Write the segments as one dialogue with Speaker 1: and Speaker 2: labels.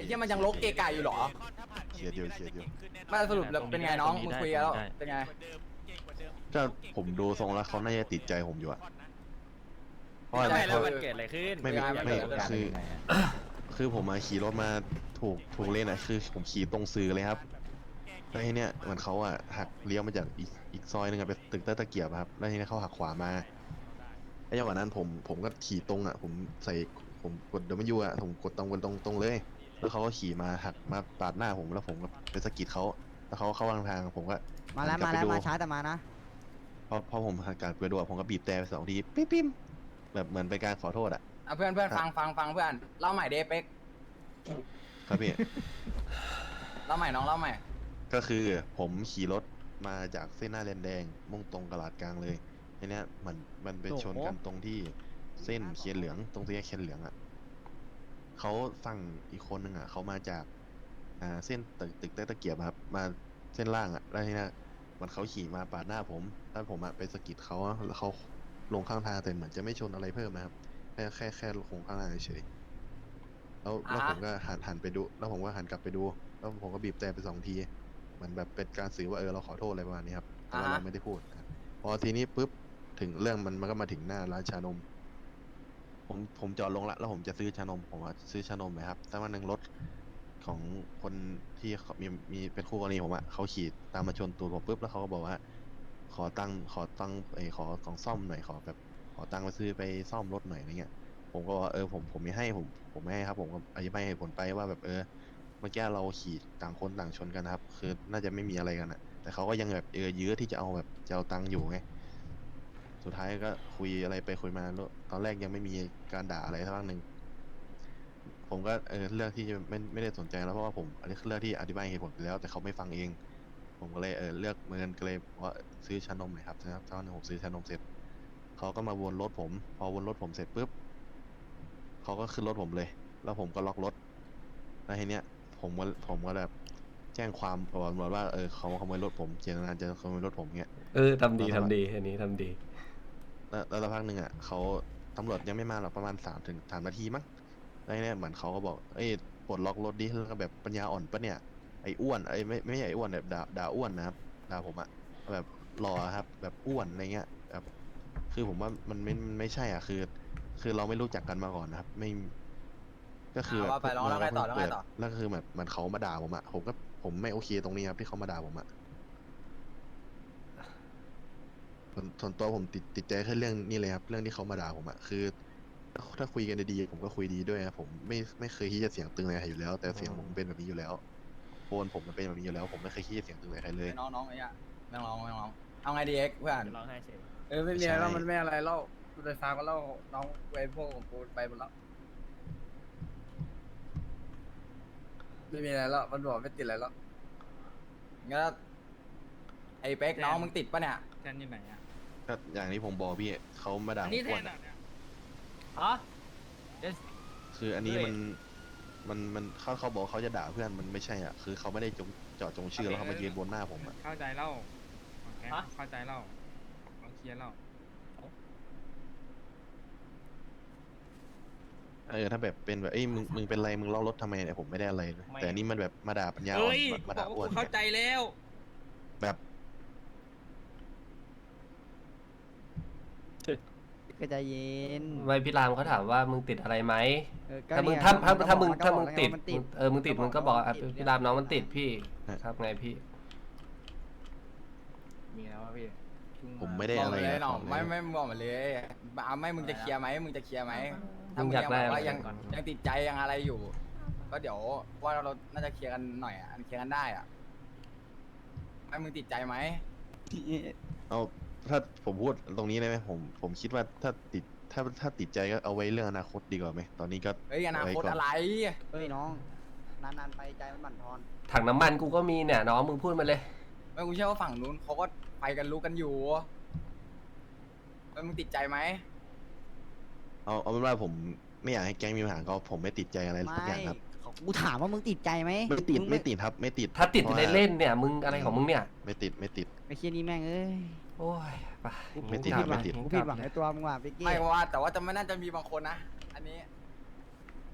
Speaker 1: เหี้ยมันยังลกเกะกะอยู่เหรอ
Speaker 2: เคลียร์เดียว
Speaker 1: มาสรุปแล้วเป็นไงน้องมึงคุยแล้วเป็นไง
Speaker 2: ก็ผมดูทรงแล้วเขาน่าจะติดใจผมอยู่อะเพราะ
Speaker 1: ใช่
Speaker 2: อะไร
Speaker 1: แล้ว
Speaker 3: มันเกิดอะไรขึ้น
Speaker 2: ไม่คือผมมาขี่รถมาถูกเลนอะคือผมขี่ตรงซือเลยครับแล้วทีเนี้ยเหมือนเขาอะหักเลี้ยวมาจากอีกซอยนึงอะไปตึกตะเกียบครับแล้วทีเนี้ยเขาหักขวามาไอ้จังหวะนั้นผมก็ขี่ตรงอะผมกดWอะผมกดตรงเลยแล้วเขาก็ขี่มาหักมาปาดหน้าผมแล้วผมก็ไปสะกิดเขาแล้วเขาเข้าทางผมก็
Speaker 4: มาแล้ว
Speaker 2: หันก
Speaker 4: มา
Speaker 2: บ
Speaker 4: แล้
Speaker 2: ไป
Speaker 4: ว
Speaker 2: ดู
Speaker 4: มาช้าแต่มานะ
Speaker 2: พอผมหันกลับไปดูอะผมก็บีบแต่ไป2 ทีปิ๊มแบบเหมือนเป็นการขอโทษอะ
Speaker 1: เพื่อนฟังเพื่อนเล่าใหม่เดเป็ก
Speaker 2: ครับพี่
Speaker 1: เล่าใหม่น้องเล่าใหม่
Speaker 2: ก็คือผมขี่รถมาจากเส้นหน้าแลนแดงมุ่งตรงกลาดกลางเลยทีเนี้ยมันไปชนกันตรงที่เส้นเขียนเหลืองตรงที่เขียนเหลืองอ่ะเขาฝั่งอีกคนนึงอ่ะเขามาจากเส้นตึกตะเกียบครับมาเส้นล่างอ่ะแล้วทีเนี้ยมันเขาขี่มาปาดหน้าผมแล้วผมอ่ะไปสะกิดเขาแล้วเขาลงข้างทางแต่เหมือนจะไม่ชนอะไรเพิ่มนะครับแค่ลงข้างทางเฉยๆแล้วผมก็หันไปดูแล้วผมก็หันกลับไปดูแล้วผมก็บีบแต่ไป2 ทีเหมือนแบบเป็นการสื่อว่าเราขอโทษอะไรประมาณนี้ครับแต่ว่าเราไม่ได้พูดนะครับพอทีนี้ปุ๊บถึงเรื่องมันก็มาถึงหน้าร้านชานมผมจอดลงละแล้วผมจะซื้อชานมผมว่าซื้อชานมไหมครับแต่ว่าหนึ่งรถของคนที่เขามีเป็นคู่กรณีผมอะเขาขี่ตามมาชนตูดผมปุ๊บแล้วเขาก็บอกว่าขอตังค์ขอของซ่อมหน่อยขอตังค์ไปซื้อไปซ่อมรถหน่อยอะไรเงี้ยผมก็ว่าผมไม่ให้ผมไม่ให้ครับผมก็อธิบายเหตุผลไปว่าแบบเมื่อกี้เราขี่ต่างคนต่างชนกันนะครับคือน่าจะไม่มีอะไรกันอะแต่เขาก็ยังแบบยื้อที่จะเอาตังค์อยู่ไงสุดท้ายก็คุยอะไรไปคุยมาแล้วตอนแรกยังไม่มีการด่าอะไรสักพักหนึ่งผมก็เลือกที่จะไม่ได้สนใจแล้วเพราะว่าผมอันนี้คือเลือกที่อธิบายเหตุผลไปแล้วแต่เขาไม่ฟังเอง ผมก็เลยเลือกเมินก็เลยว่าซื้อชานมหน่อยครับนะครับตอนนึงผมซื้อชานมเสร็จเขาก็มาวนรถผมพอวนรถผมเสร็จปุ๊บเขาก็ขึ้นรถผมเลยแล้วผมก็ล็อกรถแล้วทีเนี้ยผมก็แบบแจ้งความกับตำรวจว่าเขาขโมยรถผมเจตนาจะขโมยรถผมเงี้ย
Speaker 5: ทำดีอันนี้ทำดี
Speaker 2: แล้วสักพักหนึ่งอ่ะเขาตำรวจยังไม่มาหรอกประมาณ3 นาทีมั้งแล้วทีเนี้ยเหมือนเขาก็บอกปลดล็อกรถดิแล้วก็แบบปัญญาอ่อนปะเนี่ยไอ้อ้วนไม่ใช่ไอ้อ้วนแบบด่าอ้วนนะครับด่าผมอะแบบรอครับแบบอ้วนอะไรเงี้ยแบบคือผมว่ามันไม่ใช่อ่ะคือเราไม่รู้จักกันมาก่อนนะครับไม่ก็คือแบบ
Speaker 1: ว่าไปแล้วไงต่อ
Speaker 2: เปิดแล้วก็คือแบบมันเขามาด่าผมอะผมไม่โอเคตรงนี้ครับที่เขามาด่าผมอะส่วนตัวผมติดใจแค่เรื่องนี้เลยครับเรื่องที่เขามาด่าผมอะคือถ้าคุยกันดีๆผมก็คุยดีด้วยนะผมไม่เคยที่จะเสียงตึงอะไรใครอยู่แล้วแต่เสียงผมเป็นแบบนี้อยู่แล้วโทนผมมันเป็นแบบนี้อยู่แล้วผมไม่เคยขี้เสียงตึงอะไรใครเลย
Speaker 1: น้องไอ้เนี่ยไม่ร้องเอาไงดีเอ็กเพื่อน
Speaker 3: ร้องไห้เฉย
Speaker 1: ไม่มีอะไรแล้วมันไม่อะไรเล่ากูไฟฟ้าก็เล่าน้องไว้พวกของกูไปหมดแล้วไม่มีอะไรแล้วมันบอกไม่ติดอะไรแล้วงั้นไอ้เป๊กน้องมึงติดปะเนี่ย
Speaker 3: แทนอยู่ไหนอ่ะ
Speaker 2: ก็อย่างที่ผมบอกพี่เขามาด่าผม
Speaker 3: นี่แท
Speaker 2: ก่อน น
Speaker 3: อ่ะ
Speaker 2: อะ
Speaker 3: เนี่ยอ๋อ
Speaker 2: คืออันนี้
Speaker 3: เฮ้ย
Speaker 2: มันเขาบอกเขาจะด่าเพื่อนมันไม่ใช่อ่ะคือเขาไม่ได้เจาะจงชื่อแล้วเขามายืนบนหน้าผมอ่ะ
Speaker 6: เข้าใจเล่าโอเคเข้าใจเล่าเราเคลียร์เล่า
Speaker 2: ถ้าแบบเป็นแบบมึงเป็นไรมึงล้อรถทำไมเนี่ยผมไม่ได้อะไรนะแต่อันนี่มันแบบมาด่าปัญญาอ่อ
Speaker 6: เฮ้
Speaker 2: น
Speaker 6: ย
Speaker 2: มา
Speaker 6: บ
Speaker 2: ด่า
Speaker 6: อก
Speaker 2: อ้ว
Speaker 6: ว่าน กูเข้าใจแล้ว
Speaker 2: แบบ
Speaker 4: ก็ใจเย็น
Speaker 5: ไม่พี่รามเขาถามว่ามึงติดอะไรไหม
Speaker 4: ก็
Speaker 5: ถ้ามึง
Speaker 4: เนี่ย
Speaker 5: ถ้ามึง
Speaker 4: ก็
Speaker 5: ถ้า
Speaker 4: บ
Speaker 5: มึ
Speaker 4: อก
Speaker 5: ง
Speaker 4: แล้ว
Speaker 5: ติด
Speaker 4: ว่ามันติด
Speaker 5: มึงติดมึงก็บอก
Speaker 4: มันติด
Speaker 5: พี่รามน้องมันติดพี่ครับไงพี่
Speaker 6: มีแล้วอะพี่
Speaker 2: ผมไม่ได้
Speaker 1: บอก
Speaker 2: อะไร
Speaker 1: มาเลย
Speaker 2: อะ
Speaker 1: น้องไม่บอกมาเลยเอาไม่มึงจะเคลียร์ไหมมึงจะเคลียร์ไหมถ้า
Speaker 5: มึ
Speaker 1: มึ
Speaker 5: ง
Speaker 1: ง
Speaker 5: อยาก
Speaker 1: ยัง
Speaker 5: ได้
Speaker 1: บอกว่า
Speaker 5: อะไร
Speaker 1: ยังติดใจยังอะไรอยู่ ก็เดี๋ยวว่าเราน่าจะเคลียร์กันหน่อยอ่ะเคลียร์กันได้อ่ะไม่มึงติดใจไหม
Speaker 2: เอาถ้าผมพูดตรงนี้ได้ไหมผมคิดว่าถ้าติดใจก็เอาไว้เรื่องอนาคตดีกว่าไหมตอนนี้ก็
Speaker 1: เฮ้ยอนาคต
Speaker 2: เไว้ก่
Speaker 1: อะไร
Speaker 4: เฮ้ยน้อง นานๆไปใจมันบั่นทอน
Speaker 5: ถังน้ำมันกูก็มีเนี่ยน้องมึงพูดมาเลย
Speaker 1: ไม่กูเชื่อว่าฝั่งนู้นเขาก็ไปกันรู้กันอยู่มึงติดใจไหม
Speaker 2: เอาเป็นว่าผมไม่อยากให้แก๊งมีปัญหาก็ผมไม่ติดใจอะไรสักอย่างครับ
Speaker 4: กูถามว่ามึงติดใจไหม
Speaker 2: ไม่ติด
Speaker 4: ง
Speaker 2: ไม่ติดครับไม่ติด
Speaker 5: ถ้าติด
Speaker 2: พระว่
Speaker 5: เล่นๆเนี่ยมึงอะไรของมึงเนี่ย
Speaker 2: ไม่ติด
Speaker 4: ไอ้เคียนี่แม่งเอ้ย
Speaker 5: โอ้ยไป
Speaker 2: ไม่ติด
Speaker 5: งั้นกลับ
Speaker 2: ไม่ติด
Speaker 4: กู
Speaker 5: งั้นก
Speaker 4: ผิ
Speaker 5: ลั
Speaker 4: ด
Speaker 5: บ
Speaker 4: หวังในตัวมึงว่ะพี่กี้
Speaker 1: ไม่ว่าแต่ว่าจะไม่น่าจะมีบางคนนะอันนี้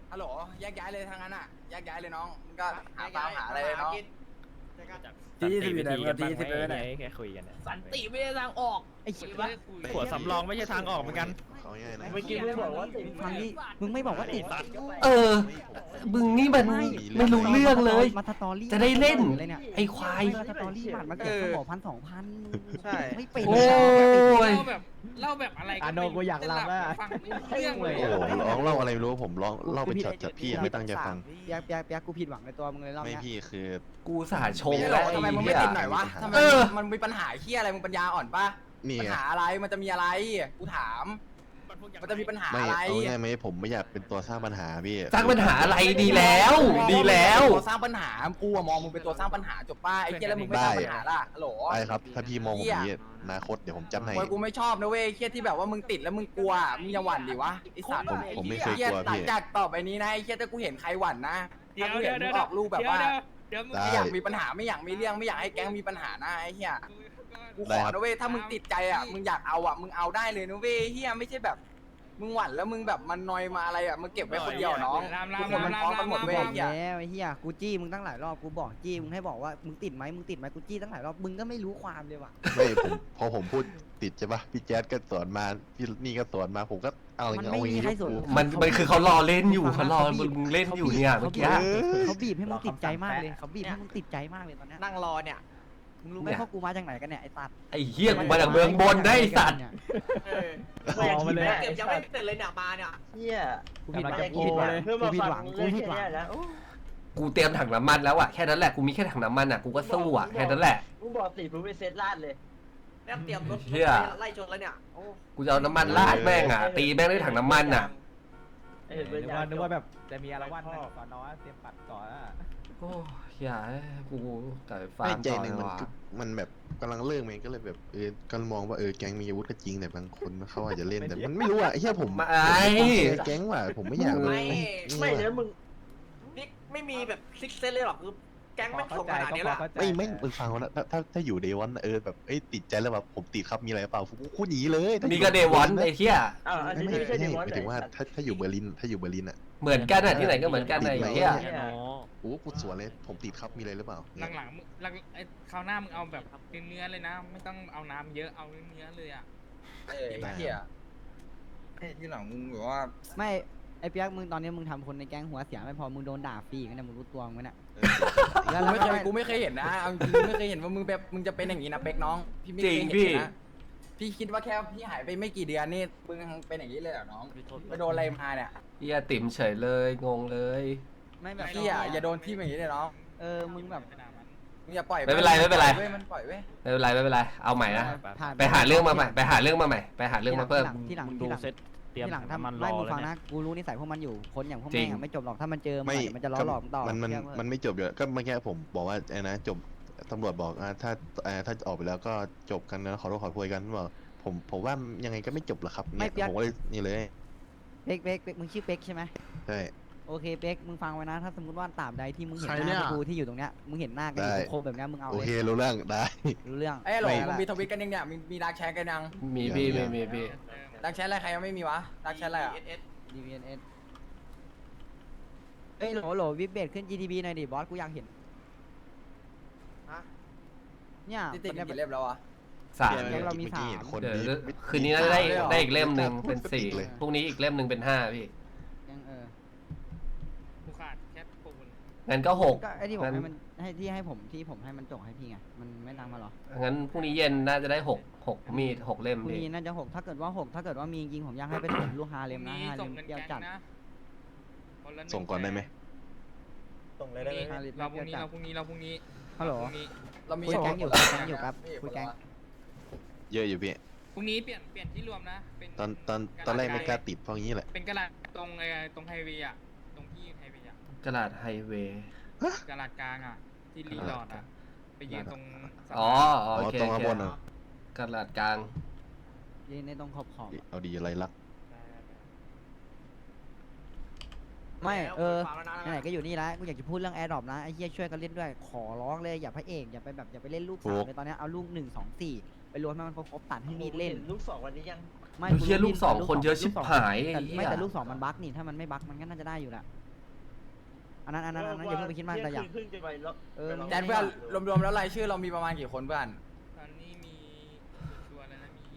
Speaker 1: ฮัลโหลแยกย้ายเลยทางนั้นอ่ะแยกย้ายเลยน้องมึงก็หาฟาร์มหาอะไรเลยน้อง
Speaker 3: ที่สิบอยู่ไหนมึงที่สิบเลยไหน
Speaker 7: แค่คุยกันเนี่ย
Speaker 3: สันติไม่ได้ทางออก
Speaker 4: ไอ้เหี้ย
Speaker 7: หัวสำรองไม่ใช่ทางออกเหมือนกัน
Speaker 2: เขาง่ายนะ
Speaker 6: เมื่อกี้มึงบอกว่าติด
Speaker 4: ฟังดิมึงไม่บอกว่าติด
Speaker 5: เออ มึงนี่มันไม่รู้เรื่องเลย
Speaker 4: มาสตอรี่
Speaker 5: จะได้เล่น
Speaker 4: เลยเนี่ย
Speaker 5: ไอ้ควาย
Speaker 4: มาสตอรี่บัตรมาเก็บสมอง1,000-2,000
Speaker 6: ใช่
Speaker 4: ไม่เป็น
Speaker 5: โอ้ย
Speaker 6: เล่าแบบอะไร
Speaker 7: อ่ะโนกูอยากลำแล้ว
Speaker 6: ฟังไม่รู้เรื่องเลย
Speaker 2: โอ้โหร้องเล่าอะไรไม่รู้ผมร้องเล่าเป็นช็อตจากพี่ไม่ตั้งใจฟัง
Speaker 4: เปียกกูผิดหวังในตัวมึงเลยรอบ
Speaker 2: ไม่
Speaker 4: เนี้ย
Speaker 2: พี่คือ
Speaker 5: กูสาชง
Speaker 1: ไม่
Speaker 5: แล้
Speaker 1: หร
Speaker 5: ว
Speaker 1: อกทำไม
Speaker 5: ไอ้
Speaker 1: มึง
Speaker 5: เหี้
Speaker 1: ไม่
Speaker 5: ย
Speaker 1: ติดหน่อยวะทำไม
Speaker 5: เออ
Speaker 1: มันมีปัญหาเฮียอะไรมึงปัญญาอ่อนปะ
Speaker 2: นี่
Speaker 1: ปัญ
Speaker 2: ไง
Speaker 1: หาอะไรมันจะมีอะไรกูถาม มันจะมีปัญหา
Speaker 2: ไม่
Speaker 1: อะไร
Speaker 2: เอาง่ายไหมผมไม่อยากเป็นตัวสร้างปัญหาพี่
Speaker 5: สร้างปัญหาอะไรดีแล้ว ดีแล้ว
Speaker 1: ตัวสร้างปัญหากูอะมองมึงเป็นตัวสร้างปัญหาจบป้าไอ้เฮียแล้วมึงไม่สร้างปัญหาล่ะฮัลโหล
Speaker 2: ไปครับ ถ้าพี่มองผมอย่างนี้อนาคตเดี๋ยวผมจัดให้
Speaker 1: โอ้ยกูไม่ชอบนะเว้ยเฮียที่แบบว่ามึงติดแล้วมึงกลัวมึงอย่าหวั่นดิวะไอ้สัตว์
Speaker 2: ผมไม่เคย
Speaker 1: เฮีย
Speaker 2: กลัว
Speaker 1: หลั
Speaker 2: พี่
Speaker 1: งจากต่อไปนี้นะไอ้เฮียถ้ากูเห็นใครหวั่นนะ
Speaker 6: เดี๋
Speaker 1: ถ้า
Speaker 6: ยว
Speaker 1: กู
Speaker 6: เดี๋
Speaker 1: เห็
Speaker 6: ย
Speaker 1: น
Speaker 6: ว
Speaker 1: มึงออกลูกแบบว่า
Speaker 6: เดี๋ยวมึง
Speaker 2: ได้
Speaker 1: ไม่อยากมีปัญหาไม่อยากมีเรื่องไม่อยากให้แก๊งมีปัญหานะไอ้เฮียกูขอนะเว้ยถ้ามึงติดใจอ่ะมึงอยากเอาอ่ะมึงเอาได้เลยนะเว้ยเฮียไม่ใช่แบบมึงหวั่นแล้วมึงแบบมันนอยมาอะไรอ่ะมึงเก็บไว้คนเดียวน้องทุกคนมันพร้อมกันหมดเว้ย
Speaker 4: บ
Speaker 1: ไอ้
Speaker 4: อก
Speaker 1: เฮีย
Speaker 4: แล้วไอ้เหี้ยกูจี้มึงตั้งหลายรอบกูบอกจี้มึงให้บอกว่ามึงติดไหมกูจี้ตั้งหลายรอบมึงก็ไม่รู้ความเลยว่ะ
Speaker 2: ไม่ผมพอผมพูดติดใช่ปะพี่แจ๊ดก็สอนมาพี่นี่ก็สอนมาผมก็เอาอย่าง
Speaker 4: มัน
Speaker 2: เงี้ย
Speaker 4: ไม่
Speaker 2: เอาอย่าง
Speaker 4: มี
Speaker 2: งี้
Speaker 4: ใครสน
Speaker 5: มันคือเขารอเล่นอยู่เขารอมึงเล่นอยู่เนี่ยเมื่อกี้
Speaker 4: เขาบีบให้มึงติดใจมากเลยเขาบีบให้มึงติดใจมากเลยตอนเนี้ย
Speaker 3: นั่งรอเนี่ย
Speaker 4: มึงรู้ไหมพวกกูมาจากไหนกันเนี่ยไอ้ตัด
Speaker 5: ไอ้เหี้ยกูมาจากเมืองบนได้ไอ้สัตว์
Speaker 7: มองมาเลย
Speaker 3: เก็บยังไม่เสร็จเลยเนี่ยมาเนี่ย
Speaker 6: เฮีย
Speaker 4: กูผิดหวัง
Speaker 7: กำลังจะ
Speaker 4: กูผิดหวัง
Speaker 6: เพื่อ
Speaker 4: กู
Speaker 6: มา
Speaker 4: ผิด
Speaker 6: ฟั
Speaker 4: หวั
Speaker 6: ง
Speaker 4: งกู
Speaker 6: เรื่อง
Speaker 4: ผิด
Speaker 6: แค่
Speaker 4: หวัง
Speaker 6: นี้แล้ว
Speaker 5: กูเตรียมถังน้ำมันแล้วอะแค่นั้นแหละกูมีแค่ถังน้ำมันอะกูก็สู้อะแค่นั้นแหละ
Speaker 6: มึงบอกติดมึงไปเซตลาดเลย
Speaker 3: เนี่ยเตรียมรถ
Speaker 5: เหี้ย
Speaker 3: ไล่ชนแล้วเนี่ยโอ้
Speaker 5: กูจะเอาน้ำมันราดแม่งอะตีแม่งด้วยถังน้ำมันอะ
Speaker 6: เห็นเป็น
Speaker 7: นึกว่าแบบจะมีอะไรวันก่อนนอนเตรียมปัดก่อนอะ
Speaker 5: โอ้ยอย่าให้กูกลับไปฟา
Speaker 2: ไม่
Speaker 5: ร์ม
Speaker 2: ใจ
Speaker 5: ต่อ
Speaker 2: ห
Speaker 5: เล
Speaker 2: นึ่ง
Speaker 5: ย
Speaker 2: มัน
Speaker 5: ว่ะ
Speaker 2: ก็มันแบบกำลังเลิกมันก็เลยแบบก็มองว่าแก๊งมีอาวุธก็จริงแต่บางคนเขาอาจจะเล่นแต่มันไม่รู้อ่ะไอ้เหี้ยผม
Speaker 5: มาไอ้
Speaker 2: แก๊งว่ะผมไม่อยาก
Speaker 6: ไม่แล้วมึง
Speaker 3: นี่ไม่มีแบบซิกเซนเลยหรอกคือแก๊งไม่ส่งขนาดนี้ละ
Speaker 2: ไม่มึงฟังนะถ้าอยู่เดวันแบบติดใจแล้วแบบผมติดครับมีอะไรเปล่ากูหนีเลย
Speaker 5: นี่ก็เดวอนไอ้เหี้ย
Speaker 6: อันนี้ไม่ใช่เดมอน
Speaker 2: หมายถึงว่าถ้าอยู่เบอร์ลินอ่ะ
Speaker 5: เหมือนกันอะที่ไหนก็เหมือนกันไอ้เหี้ย
Speaker 2: โอ้กูสวนเลยผมติดครับมีอะไรหรือเปล่า
Speaker 6: หลังๆมึงหลังไอ้คราวหน้ามึงเอาแบบเนื้อเลยนะ ไม่ต้องเอาน้ำเยอะเอาเนื้อเลยอ่ะ
Speaker 1: ไอ้เฮียไอ้ที่หลังมึงแบบว่า
Speaker 4: ไม่ไอ้เปียกมึงตอนนี้มึงทำคนในแก๊งหัวเสียไม่พอมึงโดนด่าฟรีกันเนี่ยมึงรู้ตัวมึงไหมเนี่ย
Speaker 1: กูไม่เคยเห็นนะเอาจริงไม่เคยเห็นว่ามึงแบบมึงจะเป็นอย่างนี้นะเป็กน้องพี่ไม่เคยเห็นนะพี่คิดว่าแค่พี่หายไปไม่กี่เดือนนี่มึงเป็นอย่างนี้เลยเหรอน้องไปโดนอะไรมาเนี่ย
Speaker 5: เหี้ยติ่มเฉยเลยงงเลย
Speaker 4: ไม่แบบ
Speaker 1: พี่อย่าโดนพี่อย่างนี้เลยน้อง
Speaker 4: มึงแบบ
Speaker 1: มึงอย่าปล่อย
Speaker 5: ไม่เป็นไรไม่เป็นไร
Speaker 1: เว้ยมันปล่อยเว้ย
Speaker 5: ไม่เป็นไรไม่เป็นไรเอาใหม่นะ
Speaker 4: ผ่น
Speaker 5: ไปหาเรื่องมาใหม่ไปหาเรื่องมาใหม่ไปหาเรื่องมาเพิ่ม
Speaker 4: ที่หลัง
Speaker 7: ดูเซ็ตเตรียม
Speaker 4: ที่หลัง
Speaker 7: น้ำมัน
Speaker 4: ทำ
Speaker 7: ร
Speaker 4: ไล่
Speaker 7: อ
Speaker 4: มึง
Speaker 7: แล้ว
Speaker 4: ฟัง
Speaker 7: เนี่ย
Speaker 4: นะกูรู้นิสัยพวกมันอยู่คนอย่างพวก
Speaker 5: จริ
Speaker 4: แม่
Speaker 5: ง
Speaker 4: งไม่จบหรอกถ้ามันเจอ
Speaker 2: ไม่
Speaker 4: มันจะล้อหลอกต่อ
Speaker 2: มันไม่จบอยู่ก็เมื่อกี้ผมบอกว่าไอ้นะจบตำรวจบอกถ้าออกไปแล้วก็จบกันนะขอโทษขอโพยกันบอกผมว่ายังไงก็ไม่จบหรอกครับเนี่ยผมก็เลยนี่เลย
Speaker 4: เป็กมึงชื่อเป็กใช่ไหม
Speaker 2: ใช่
Speaker 4: โอเคเป็กมึงฟังไว้นะถ้าสมมติว่าตราบใดที่มึงเห็น
Speaker 2: ใคร
Speaker 4: ห
Speaker 2: เนี่
Speaker 4: น้าย กูที่อยู่ตรงเนี้ยมึงเห็นหน้ากันอยู่
Speaker 2: ได้
Speaker 4: ครบแบบเนี้ยมึงเอา
Speaker 2: โอ
Speaker 4: เล
Speaker 2: เค
Speaker 4: ย
Speaker 2: รู้เรื่องได้
Speaker 4: รู้เรื่อง
Speaker 1: ไอ้หลง
Speaker 2: ไม่
Speaker 1: มึงมีทวิตกันยังเนี่ยมีรักแชร์กันยัง
Speaker 5: มีพี่มีพี่
Speaker 1: รักแชร์อะไรใครยังไม่มีวะรักแชร์อะไรอ่ะ
Speaker 4: DVNS เอ้ยโหลวิบเบตขึ้น GTB หน่อยดิบอสกูอยากเห็นเนี่ย
Speaker 1: ติดกี่เล่มแล้ววะ
Speaker 5: สาม
Speaker 4: เรามี
Speaker 2: เมื่อกี้เห็นคน
Speaker 5: เดี๋ยว
Speaker 2: ดี
Speaker 5: คืนนี้น่าจะได้
Speaker 1: เลยเหรอ
Speaker 5: ได้อีกเล่มหนึ่งเป็น
Speaker 2: พูด
Speaker 5: สี่
Speaker 2: เลย
Speaker 5: พรุ่งนี้อีกเล่มหนึ่งเป็นห้าพี่
Speaker 4: ยัง
Speaker 6: กูขาดแค่ปูน
Speaker 5: งั้นก็หก
Speaker 4: ก็ไอ้ที่ผม
Speaker 5: งั้น
Speaker 4: ให้มันให้ผมให้มันจงให้พี่ไงมันไม่ตามมาหรอ
Speaker 5: งั้นพรุ่งนี้เย็นน่าจะได้หกมีดหกเล่ม
Speaker 4: พรุ่ง
Speaker 5: พี่
Speaker 4: นี้น่าจะ6ถ้าเกิดว่ามีจริงผมอยากให้ไปถมลูกฮาเลมนะฮาเล
Speaker 6: ส่ง
Speaker 4: ม
Speaker 6: เงิน
Speaker 4: เปรี้ยว
Speaker 6: แก๊ง
Speaker 4: จัด
Speaker 6: นะคนละ
Speaker 2: ส่งก่อนได้ไหม
Speaker 6: ส่งเลยได้ไหมเราพรุ่งนี้
Speaker 4: ฮัลโหล
Speaker 1: เรามี
Speaker 4: คุยแก๊งอยู่คุยแก๊งอยู่ครับคุยแก๊ง
Speaker 2: เยอะอยู่พี่
Speaker 6: พรุ่งนี้เปลี่ยนที่รวมนะเป็น
Speaker 2: ตอนแรกไม่กล้าติดเพราะงี้แหละ
Speaker 6: เป็นกระดาษตรงไฮเวย์อ่ะตรงที่ไฮเวย์อ่ะ
Speaker 5: กระดาษไฮเวย์
Speaker 6: กระดาษกลางอ่ะที่รีสอร์ทอ่ะไปยืนตรง
Speaker 5: อ๋อ
Speaker 2: อ๋อ
Speaker 5: โอเค
Speaker 2: ตรง
Speaker 5: โอ
Speaker 2: ข้าง
Speaker 5: เค
Speaker 2: บนอ่ะ
Speaker 5: กระดาษกลาง
Speaker 4: ยืนในตรงขอบ
Speaker 2: เอาดีอะไรลัก
Speaker 4: ไม่ไหนๆก็อยู่นี่แล้วกูอยากจะพูดเรื่องแอร์ดรอปนะไอ้เหี้ยช่วยกันเล่นด้วยขอร้องเลยอย่าพระเอกอย่าไปเล่นลูก3เลยตอนนี้เอาลูก1 2 4ไปรวมให้มันครบตัดให้มีดเล่น
Speaker 6: ลูก2วันนี้ยัง
Speaker 4: ไม่
Speaker 5: เฮียลูกสองคนเยอะชิบหาย
Speaker 4: แต่ไม่แต่ลูก2มันบั๊กนี่ถ้ามันไม่บั๊กมันก็น่าจะได้อยู่แหละอันนั้นอย่าเพิ่งไปคิดมากแต่อยาก
Speaker 3: ครึ่งจะไปแล้ว
Speaker 1: แจ็คเพื่อนรวมๆแล้วรายชื่อเรามีประมาณกี่คนเพื่อน
Speaker 6: ตอนนี้มีชัวร์ๆแล้วนะมี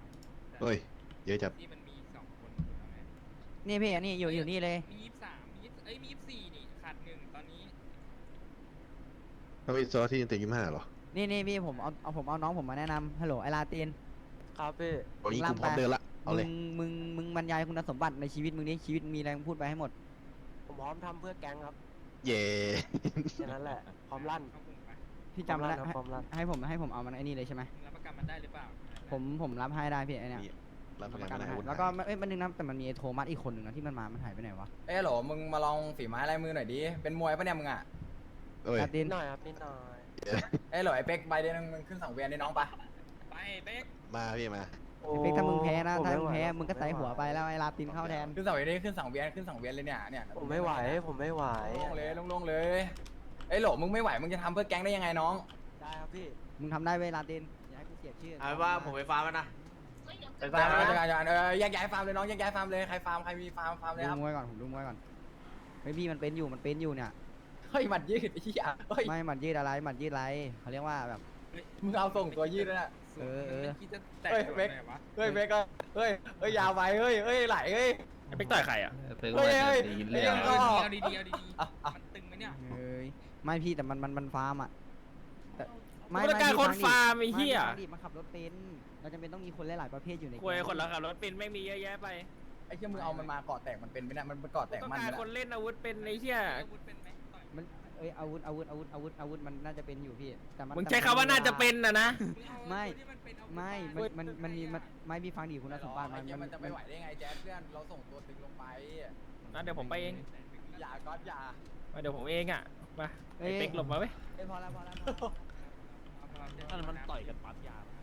Speaker 6: 23
Speaker 2: เฮ้ยเยอะจัด
Speaker 6: ที่มันมี2คนถูกไหม
Speaker 4: นี่พี่อันนี้อยู่นี่เลย
Speaker 6: มี23มี24นี่ขาด1ตอนนี้
Speaker 2: ถ้าไปซอที่ยังเต็ม25หรอ
Speaker 4: นี่พี่ผมเอาน้องผมมาแนะนำฮัลโหลไอลาติน
Speaker 1: ครับพี่
Speaker 2: ตอนนี้กูพร้อมเดินละเอาเลย
Speaker 4: มึงบรรยายคุณสมบัติในชีวิตมึงดิชีวิตมีอะไรมึงพูดไปให้หมด
Speaker 1: ผมพร้อมทำเพื่อแก๊งครับ
Speaker 2: เย่
Speaker 1: แค่นั้นแหละพร้อมลั่น
Speaker 6: เข้ากลุ่มไป
Speaker 4: พี่จำได้
Speaker 1: พร้อมลั่น
Speaker 4: ให้ผมเอามันไอ้นี่เลยใช่ไหม
Speaker 6: มึงรับประกันมันได้หรือเปล่า
Speaker 4: ผมรับให้ได้พี่ไอเนี่ย
Speaker 2: นี่รับประ
Speaker 4: ประ
Speaker 2: กั
Speaker 4: กัน น
Speaker 2: ไม่ได้
Speaker 4: ให้
Speaker 2: อาวุธ
Speaker 4: แล้วก็
Speaker 2: หาย
Speaker 4: มันนึงนะแต่มันมีไอ้โทมัสอีกคนหนึ่งนะที่มันมามันหายไปไหนวะ
Speaker 1: เอ้ยโหลมึงมาลองฝีไม้ลายมือหน่อยดิเป็นมวยปะเนี่ยมึงอ่ะ
Speaker 2: เอ้ย
Speaker 4: ลาติน
Speaker 1: หน่อยครับนิดหน่อยเอ้ยโหลไอ้เป๊กใบเดียวมึงขึ้นสังเวียนได้น้องปะ
Speaker 6: ไปเป๊ก
Speaker 2: มาพี่มา
Speaker 4: เป๊กถ้ามึงแพ้นะถ้ามึงแพ้มึงก็ใส่หัวไปแล้วไอ้ลาตินเข้าแทน
Speaker 1: ขึ้นสังเวียนนี่ขึ้นสังเวียนเลยเนี่ย
Speaker 8: ผมไม่ไหว
Speaker 1: ลงเลยเอ้ยโหลมึงไม่ไหวมึงจะทำเพื่อแก๊งได้ยังไงน้อง
Speaker 8: ได้ครับพี่
Speaker 4: มึงทำได้เว้ยลาตินอย่าให้กูเสียชื่อ
Speaker 3: เอาว่าผมไปฟาร์มมันนะไป
Speaker 1: ไป
Speaker 3: ฟาร์มมันนะ
Speaker 1: แยกย้ายฟาร์มเลยน้องแยกย้ายฟาร์มเลยใครฟาร์มใครมีฟาร์มเลยครับ
Speaker 4: ดูมวยก่อนผมดูมวยก่อนเฮ้ยพี่มันเป็นอยู่เนี่ย
Speaker 1: เฮ้ยหมัดยืดไอ้เหี้ยเฮ้ย
Speaker 4: ไม่หมัดยืดอะไรเขาเรียกว่าแบบ
Speaker 1: มึงเอาส่งตัวยืดแล้วน่ะ
Speaker 4: เออ
Speaker 6: คิดจะแตก
Speaker 1: เฮ้ย
Speaker 6: ตัว
Speaker 1: เป๊ก
Speaker 6: ไหนวะ
Speaker 1: เฮ้ยเป๊กก็เฮ้ยยาวไปเฮ้ยไหลเฮ้ย
Speaker 9: ไปต่อยใครอ่ะ
Speaker 5: เพิ่ง
Speaker 1: เฮ้
Speaker 5: มาย
Speaker 1: เฮ้ย
Speaker 5: ดี
Speaker 1: เฮ้
Speaker 5: เรื่
Speaker 1: ย
Speaker 5: อง
Speaker 6: เอาดีๆมันตึงไหมเนี่ย
Speaker 4: เฮ้ยไม่พี่แต่มันฟาร์มอ่ะแต่
Speaker 9: กูต้องการคนฟาร์มไอ้เหี้ย
Speaker 4: ไม่มันขับรถเป็นเราจำเป็นต้องมีคนหลายๆประเภทอยู่ใน
Speaker 9: คุยคนละขับรถเป็นไม่มีเยอะแยะไป
Speaker 1: ไอ้เหี้ยมึงเอามันมาเกาะแตกมันเป็นไหมเนี่ยมันเกาะแตก
Speaker 9: ต้อง
Speaker 1: มัน
Speaker 9: การ
Speaker 1: นะ
Speaker 9: คนเล่นอาวุธเป็นไอ้เหี้ย
Speaker 6: อาวุธเป็นไหมต่อย
Speaker 4: มันอาวุธมันน่าจะเป็นอยู่พี่แต่มัน
Speaker 9: มึงใช้คำว่าน่าจะเป็นนะ
Speaker 6: มึงเอาตัวที่มันเป็นอาวุธ
Speaker 4: มันมีไม่พี่ฟังดีคุณสมบัติ
Speaker 1: ไอ้เหี้ยมันจะไม่ไหวได้ไงแจ๊ดเพื่อนเราส่งตัวตึงลงไป
Speaker 9: นะเดี๋ยวผมไปเอง
Speaker 1: อย่าก๊อตอย่า
Speaker 9: มาเดี๋ยวผมเองอ่ะมาไอ้เป๊กหลบมาเว้ย
Speaker 4: พอแล้ว
Speaker 6: เอา
Speaker 9: มันต่อยกันปั๊บยา